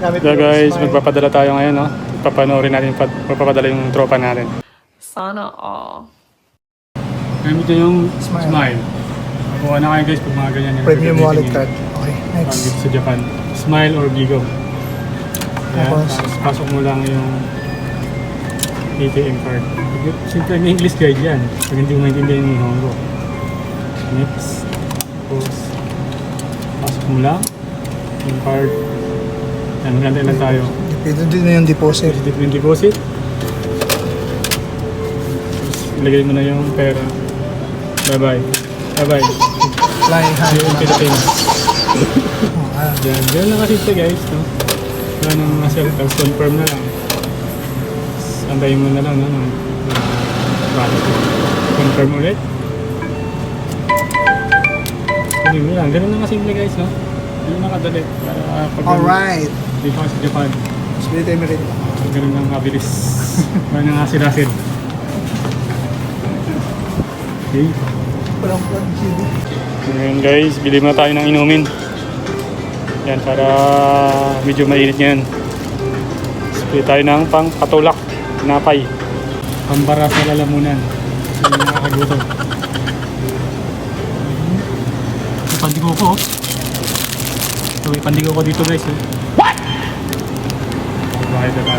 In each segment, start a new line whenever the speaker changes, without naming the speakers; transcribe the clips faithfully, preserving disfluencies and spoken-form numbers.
Gamit
So
yung
guys,
smile.
magpapadala tayo ngayon, no? Papanoorin natin, magpapadala yung tropa natin.
Sana all.
Gamit nyo yung
Smile.
smile. Makuha na kayo guys pag mga ganyan. yung
Premium
gagamitin
wallet
nyo.
card. Okay,
Pag
next.
dito sa Japan. Smile or Bigo. Ayan,
Tapos?
tapos pasok mo lang yung A T M card. Simple na English guide yan. Pag hindi mo maintindihan yung Nihongo. Next. Tapos pasok mo lang yung card. Yan, maganda lang tayo.
Dito din na yung deposit.
Dito yung deposit. Ilagay mo na yung pera. Bye bye. Bye bye.
Fly high.
See you in Philippines.
Oh, ah.
Yan, yan lang kasi ito guys, no? Wala nang masel, tapos confirm na lang. Antayin mo na lang, no? Ng, uh, confirm ulit. Hindi mo lang, ganun lang kasimple guys, no? Ganun lang kadali. Para uh, pag
Alright.
dito ka sa Japan,
Spirit Emirate.
uh, ganun lang kabilis. Wala nang asin-asin. Okay.
Walang plug G B.
Ngayon guys, bili muna tayo ng inumin. Yan, para medyo mainit ngayon. Bili tayo ng pang patulak, napay. Pambara sa lalamunan. Kasi yung nakakagutom. May pandigo ko. oh. So, may pandigo ko dito guys. Oh. What? Bakit ba?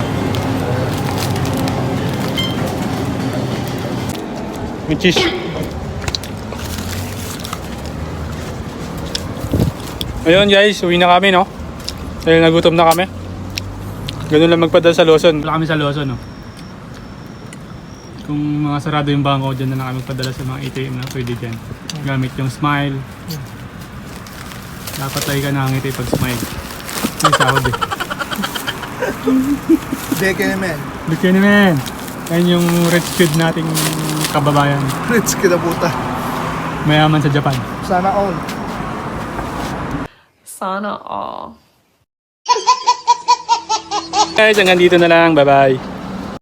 May cheese. Ayun guys, uwi na kami, no? Dahil nagutom na kami. Ganun lang magpadala sa Lawson. Wala kami sa Lawson, no? Kung mga sarado yung bangko, dyan na lang kami magpadala sa mga A T M na pwede dyan. Gamit yung smile. Dapat tayo ka nakangiti pag smile. May sahod eh.
Beke naman.
Look yun naman. Yan yung rich kid nating kababayan.
Rich kita puta.
Mayaman sa Japan.
Sana all.
Sana all.
Guys, hanggang dito na lang. Bye-bye.